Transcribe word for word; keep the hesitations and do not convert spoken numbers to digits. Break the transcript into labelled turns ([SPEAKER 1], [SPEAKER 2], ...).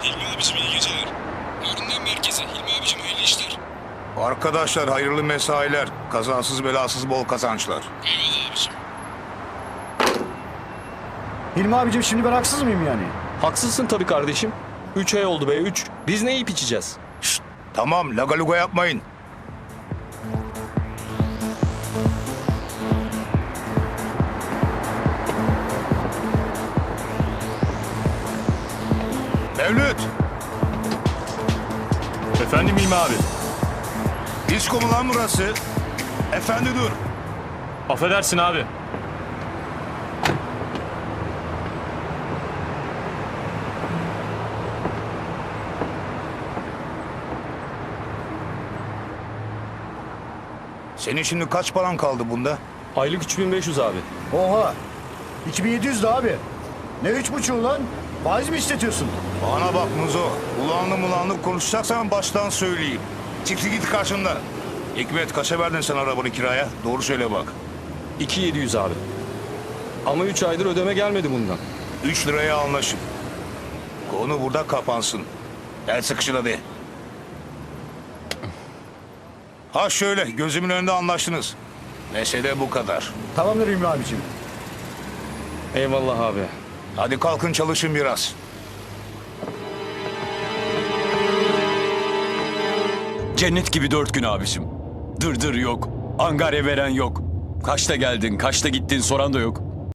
[SPEAKER 1] Hilmi abicim iyi geceler. Harun'dan merkeze. Hilmi abicim hayırlı işler.
[SPEAKER 2] Arkadaşlar hayırlı mesailer. Kazasız belasız bol kazançlar.
[SPEAKER 1] Eyvallah abicim.
[SPEAKER 3] Hilmi abicim şimdi ben haksız mıyım yani?
[SPEAKER 4] Haksızsın tabii kardeşim. Üç ay oldu be üç. Biz ne yiyip içeceğiz?
[SPEAKER 2] Şşt, tamam lagaluga yapmayın. Mevlüt,
[SPEAKER 5] Efendim İlmi abi.
[SPEAKER 2] disko mu lan burası? Efendi dur.
[SPEAKER 5] Affedersin abi.
[SPEAKER 2] Senin şimdi kaç paran kaldı bunda?
[SPEAKER 4] Aylık üç bin beş yüz abi.
[SPEAKER 3] Oha. iki bin yedi yüz de abi. Ne üç buçuğu lan? Faiz mi istetiyorsun?
[SPEAKER 2] Bana bak Muzo. Ulanlı mulanlı konuşacaksan baştan söyleyeyim. Çıktı git karşımdan. Hikmet kaça verdin sen arabanı kiraya? Doğru söyle bak.
[SPEAKER 4] iki bin yedi yüz abi. Ama üç aydır ödeme gelmedi bundan.
[SPEAKER 2] Üç liraya anlaşın. Konu burada kapansın. El sıkışın hadi. Ha şöyle gözümün önünde anlaştınız. Mesele bu kadar.
[SPEAKER 3] Tamamdır Hilmi abicim.
[SPEAKER 4] Eyvallah abi.
[SPEAKER 2] Hadi kalkın çalışın biraz.
[SPEAKER 6] Cennet gibi dört gün abicim. Dırdır yok. Angarya veren yok. Kaçta geldin, kaçta gittin soran da yok.